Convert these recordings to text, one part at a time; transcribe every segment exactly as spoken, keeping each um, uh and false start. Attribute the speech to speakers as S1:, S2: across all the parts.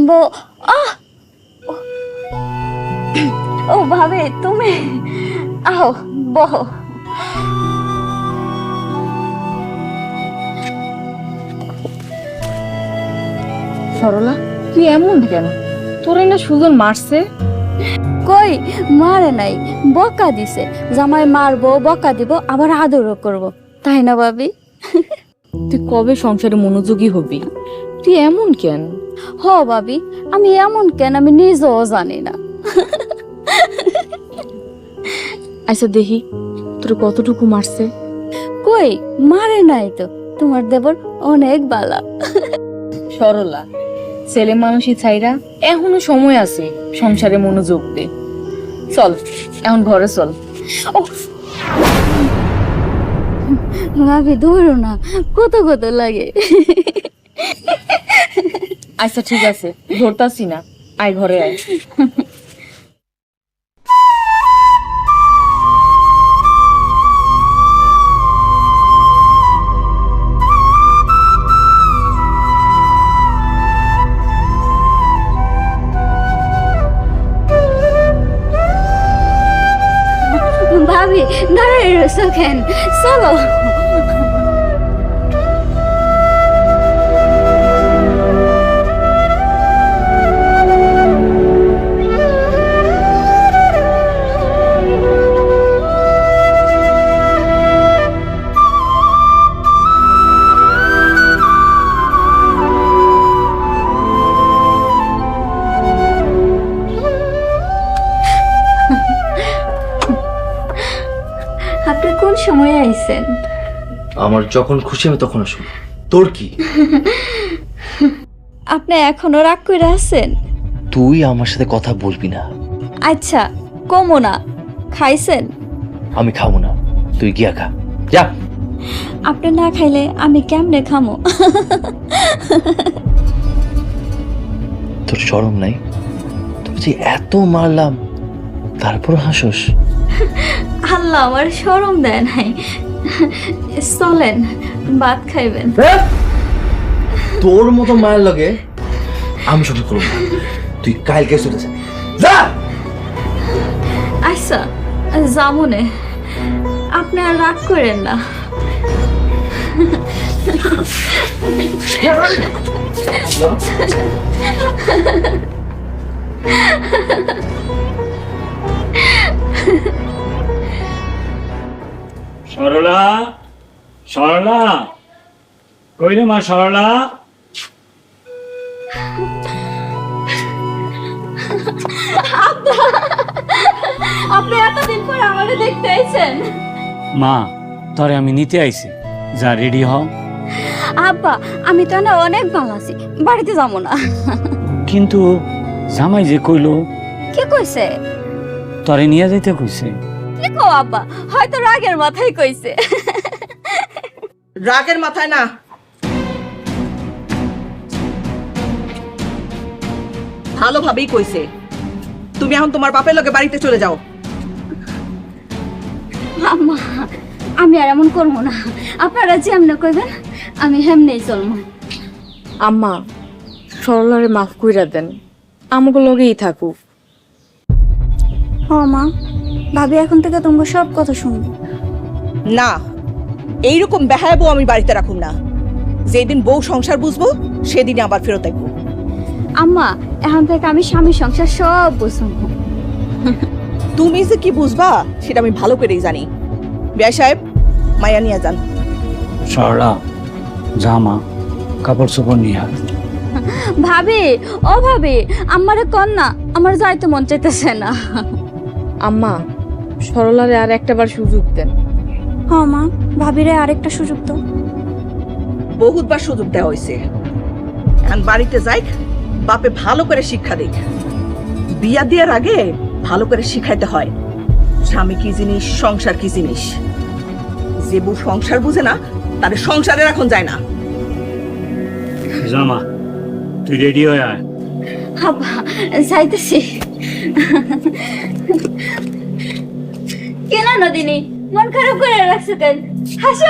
S1: বো আহ ও ভাবে তুমি আও বহ
S2: সরলা তুই এমন কেন? তোরে না সুজন মারছে?
S1: কই মারে নাই, বকা দিছে। জামাই মারবো, বকা দিব, আবার আদরও করব, তাই না ভাবি?
S2: তুই কবে সংসারে মনোযোগী হবি? তুই এমন কেন?
S1: হ ভাবি, আমি এমন কেন আমি নিজেও জানি না।
S2: আচ্ছা দেখি তোর কতটুকু মারছে।
S1: কই মারে নাই তো, তোমার দেবর অনেক বালা।
S2: সরলা ছেলে মানুষই ছাইরা এখনো সময় আছে সংসারে মনোযোগ দে। চল এখন ঘরে চল।
S1: ভাবি ধরো না, কত কত লাগে।
S2: আচ্ছা ঠিক আছে, ধরতাছি না, আয় ঘরে আয়।
S1: ভাবি দাঁড়াই রয়েছো কেন? চলো। আপনি কোন সময় আইছেন?
S3: আমার যখন খুশি আমি তখন আসুন। তোর কি?
S1: আপনি এখনো রাগ করে আছেন?
S3: তুই আমার সাথে কথা বলবি না।
S1: আচ্ছা কমো না। খাইছেন?
S3: আমি খাবো না, তুই গিয়া খা যা।
S1: আপনি না খাইলে আমি কেমনে খামো?
S3: তোর শরম নাই? তোর যে এত মারলাম তারপর হাসোস?
S1: আল্লাহ আমার শরম দেয় নাই। চলেন ভাত খাইবেন।
S3: তোর মতো মায়ের লগে আমি সব করব না। তুই কালকে চলে যা যা।
S1: আচ্ছা যামুনে, আপনি আর রাগ করেন না।
S4: সরলা, সরলা, কই রে মা সরলা?
S1: আপনি এতদিন পর আমাকে দেখতে আইছেন?
S4: মা তোরে আমি নিতে আইছি, যা রেডি হ।
S1: আব্বা আমি তো না অনেক ভালো আছি, বাড়িতে যাবো না।
S4: কিন্তু জামাই যে কইলো
S1: কি কইছে?
S4: তোরে নিয়ে যাইতে কইছে।
S1: কি কো আব্বা, হয়তো রাগের মাথায় কইছে।
S5: রাগের মাথায় না, ভালোভাবেই কইছে। তুমি এখন তোমার বাপের লগে বাড়িতে চলে যাও।
S1: আম্মা আমি আর এমন করবো না, আপনারা যেমনে কইবেন আমি হেমনেই চলবো।
S2: আম্মা সরলারে মাফ কইরা দেন, আমাকে লগেই থাকুক।
S1: হ মা, ভাবি এখন থেকে তোমাকে সব কথা শুনবো।
S5: না, এইরকম বেহায়া বউ আমি বাড়িতে রাখুম না। যেদিন বউ সংসার বুঝবো সেদিনই আবার ফেরত আসবো।
S1: আম্মা এখন থেকে আমি স্বামী সংসার সব বুঝবো।
S5: তুমি যে কি বুঝবা সেটা আমি ভালো করেই জানি। বিয়া সাহেব, মায়া নিয়ে যান।
S4: সরলা জামা কাপড় চোপড় নিয়ে আয়।
S1: ভাবি ও ভাবি, আমারে কন না, আমার যাইতে মন চাইতেছে না।
S2: আম্মা সরলারে আর একটা বার সুযোগ দেন।
S1: হ মা, ভাবিরে আরেকটা সুযোগ তো।
S5: বহুতবার সুযোগ দেওয়া হয়েছে, এখন বাড়িতে যাই, বাপে ভালো করে শিক্ষা দিক। বিয়া দেওয়ার আগে ভালো করে শিখাইতে হয় স্বামী কি জিনিস, সংসার কি জিনিস। যে বউ সংসার বুঝে না তাদের সংসারে এখন যায় না।
S4: জামা তুই রেডি হয়ে আয়।
S1: আব্বা যাইতেছি। কেন নদিনী মন খারাপ করে রাখছো কেন? হাসো।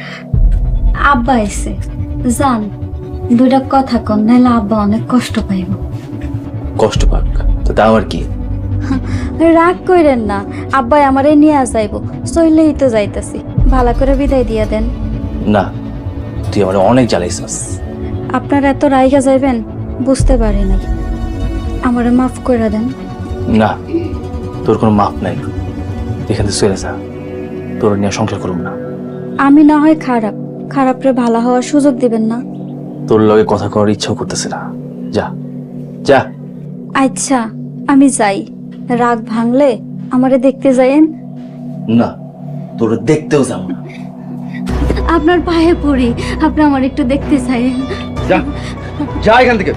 S1: আব্বা এসে জান দুইটা কথা কন, নাহলে আব্বা অনেক কষ্ট পাইব।
S3: কষ্ট পাক তো তা আমার কি?
S1: রাগ কইরেন না, আব্বাই আমারে নিয়ে যাইব, চইলেই তো যাইতাছি, ভালো করে বিদায় দিয়া দেন।
S3: না, তুই আমার অনেক জ্বালাইছিস।
S1: আপনার এত রাইগা যাইবেন বুঝতে পারি নাই, আমারে মাফ করে দেন।
S3: না, তোর কোনো মাপ নাই, এখান থেকে চলে যা, তোর নিয়ে সংসার করুম না।
S1: আমি না হয় খারাপ, খারাপরে ভালো হওয়ার সুযোগ দিবেন না।
S3: তোর লগে কথা করার ইচ্ছাও করতেছে না, যা যা।
S1: আচ্ছা আমি যাই, রাগ ভাঙলে আমারে দেখতে যাইয়েন।
S3: না, তোর দেখতেও যাবো না।
S1: আপনার পায়ে পড়ি, আপনি আমার একটু দেখতে চাইয়েন।
S3: যা যা এখান থেকে।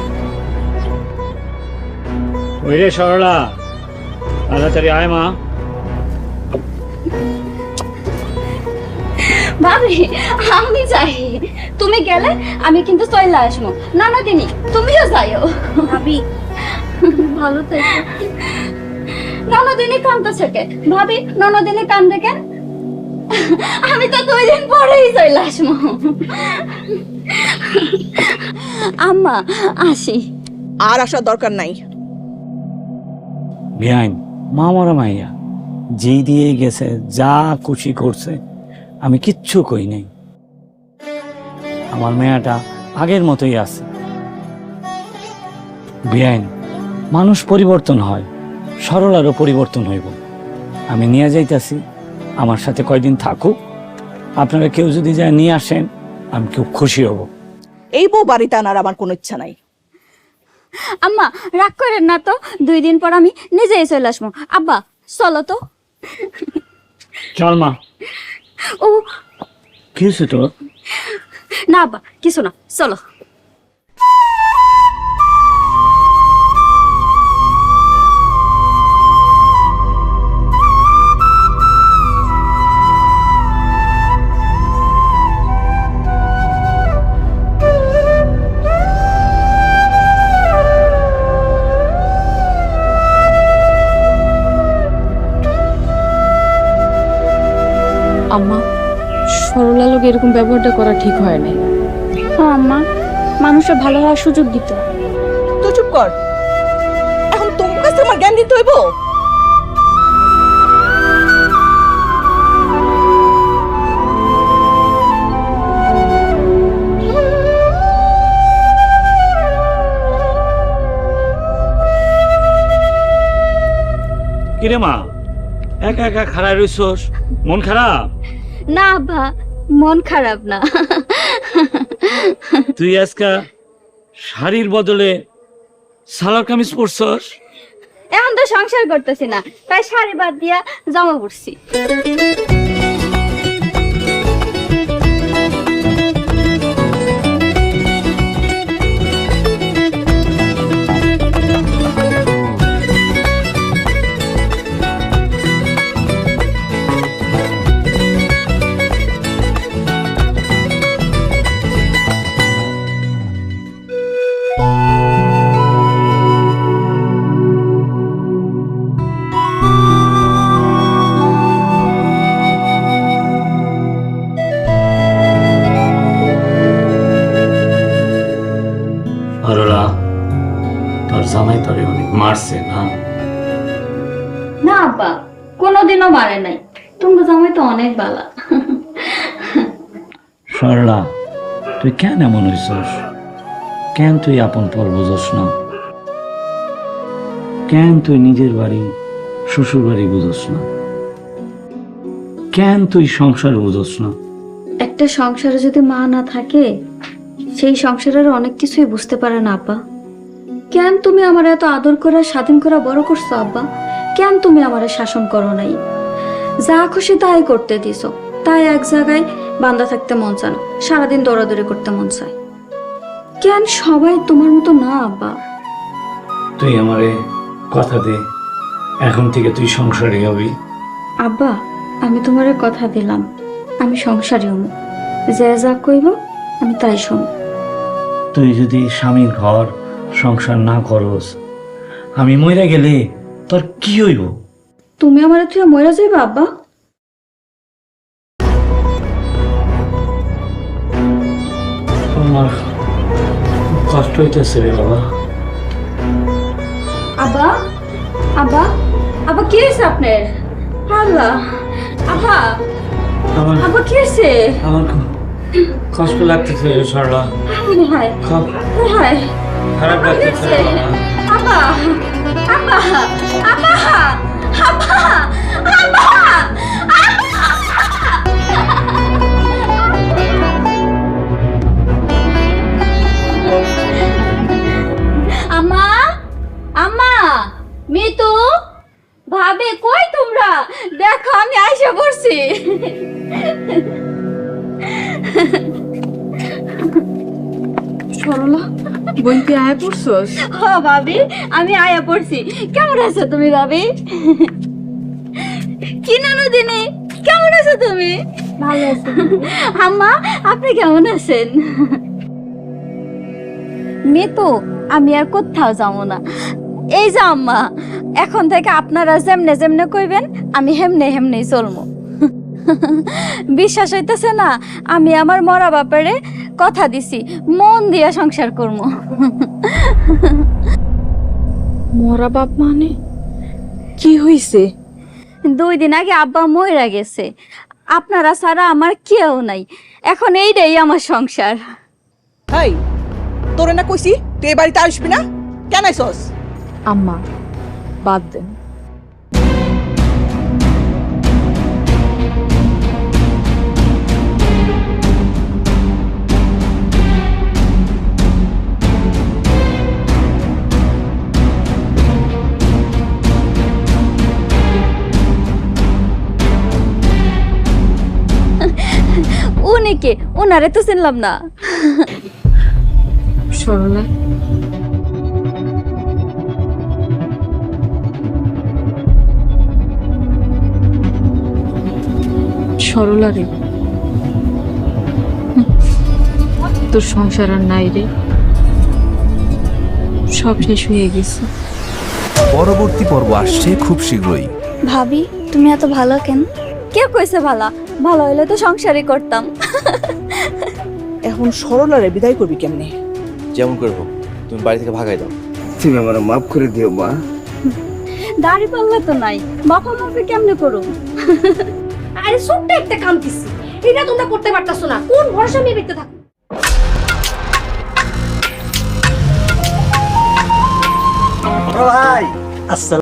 S4: ওই রে সরলা, তাড়াতাড়ি আয় মা।
S1: ভাবি আমি যাই, তুমি গেলে আমি কিন্তু চলে আসবো। না না দিনি তুমিও যাইও। ভাবি ভালো থেকো। ননদিনী কান্দতেছে কেন ভাবি? ননদিনী কান্দে কেন? আমি তো দুই দিন পরেই চলে আসবো। আম্মা আসি।
S5: আর আসার দরকার নাই।
S4: বেআইন মা মরা মাইয়া যেই দিয়ে গেছে, যা খুশি করছে, আমি কিচ্ছু কই নাই। আমার মেয়েটা আগের মতোই আছে। বেআইন মানুষ পরিবর্তন হয়, সরলারও পরিবর্তন হইব। আমি নিয়ে যাইতাছি, আমার সাথে কয়দিন থাকুক। আপনারা কেউ যদি যায় নিয়ে আসেন, আমি খুব খুশি হব।
S5: এই বউ বাড়িতে আনার আমার কোনো ইচ্ছা নাই।
S1: আম্মা রাগ করেন না তো, দুই দিন পর আমি নিজেই চলে আসবো। আব্বা চলো তো।
S4: চল মা।
S1: ও
S4: কি হয়েছে তোর?
S1: না আব্বা কিছু না, চলো।
S2: আম্মা, সরলা লোক এরকম ব্যবহারটা করা ঠিক হয় নাই।
S1: হ্যাঁ আম্মা, মানুষের ভালো হওয়ার সুযোগ দিত।
S5: তো চুপ কর, এখন তোমার কাছে আমার জ্ঞান দিতে হইব?
S4: কিরে মা, একা একা খারাপ রইছস, মন খারাপ?
S1: না আব্বা, মন খারাপ না।
S4: তুই আজকা শাড়ির বদলে সালোয়ার কামিজ পরছস?
S1: এখন তো সংসার করতেছি না, তাই শাড়ি বাদ দিয়া জামা পড়ছি।
S4: সরলা, তোর জামাই তোরে অনেক মারছে না?
S1: না আব্বা, কোনোদিনও মারে নাই, তোমার জামাই তো অনেক বালা।
S4: সরলা, তুই কেন এমন হইছস? কেন তুই আপন পর বুঝস না? কেন তুই নিজের বাড়ি শ্বশুর বাড়ি বুঝস না? কেন তুই সংসার বুঝস না?
S1: একটা সংসারে যদি মা না থাকে, সেই সংসারের অনেক কিছুই বুঝতে পারে না আব্বা। কেন তুমি আমার এত আদর করে স্বাধীন করে বড় করছো আব্বা? কেন তুমি আমার শাসন করো নাই? যা খুশি তাই করতে দিছো, তাই এক জায়গায় বান্ধা থাকতে মন চায় না, সারাদিন দৌড়াদৌড়ি করতে মন চায়। কেন সবাই তোমার মতো না আব্বা?
S4: তুই আমারে কথা দে, এখন থেকে তুই সংসারে হবি।
S1: আব্বা আমি তোমারে কথা দিলাম, আমি সংসারী হব, যে যা কইব আমি তাই শুন।
S4: তুই যদি স্বামীর ঘর সংসার না করস, আমি মরে গেলে তোর কি হইব?
S1: তুমি আমার তুই মরে যাইবা আব্বা?
S4: আমার খুব কষ্ট হইতেছে রে বাবা।
S1: আব্বা আব্বা আব্বা কি হয়েছে আপনার? আল্লাহ আব্বা
S4: আমার
S1: আব্বা কি হয়েছে?
S4: আমার খুব কষ্ট লাগতেছে রে সরলা,
S1: হায়
S4: খুব
S1: হায়
S4: খারাপ লাগতেছে রে বাবা।
S1: আব্বা আব্বা আব্বা আব্বা আব্বা আম্মা আম্মা মিতু ভাবে কই তোমরা? দেখো আমি আইসা পড়ছি।
S2: সরলা বোন তুই আয় পড়ছস?
S1: হ ভাবি আমি আয়া পড়ছি। কেমন আছো তুমি ভাবি? কি নানু দিনে কেমন আছো তুমি? ভালো আছি। আম্মা আপনি কেমন আছেন? মিতু আমি আর কোথাও যাবো না। এই যে আম্মা এখন থেকে আপনারা যেমনে যেমনে কইবেন আমি হেমনে হেমনেই চলবো। বিশ্বাস হইতেছে না? আমি আমার মরা বাপারে কথা দিছি মন দিয়া সংসার করবো।
S2: মরা বাপ মানে কি হইছে?
S1: দুই দিন আগে আব্বা মইরা গেছে, আপনারা ছাড়া আমার কেউ নাই, এখন এইটাই আমার সংসার।
S5: হাই তোরে না কইছি তুই এই বাড়িতে আসবি না, কেন আইছস?
S2: আম্মা বাদ দেন।
S1: উনি কে? উনারে তো চিনলাম না।
S2: সরলা সরলা রে, তোর সংসার আর নাই রে, সব শেষ হয়ে গেছে।
S6: পরবর্তী পর্ব আসছে খুব শীঘ্রই।
S1: ভাবি তুমি এত ভালো কেন? কে কইছে ভালা? ভালো হইলে তো সংসারই করতাম।
S5: এখন সরলারে বিদায় করবি কেমনে?
S3: যেমন করবো তুমি বাড়ি থেকে ভাগাই দাও।
S7: তুমি আমার মাফ করে দিও মা।
S1: দাড়ি পাল্লা তো নাই, বাপা মাপে কেমনে করুম?
S8: আরে ছোট্ট একটা কাম দিছি, এটা তোমরা করতে পারতাছো না। কোন ভরসা নিয়ে বেঁচে থাকো?
S7: ভাই আসসালাম।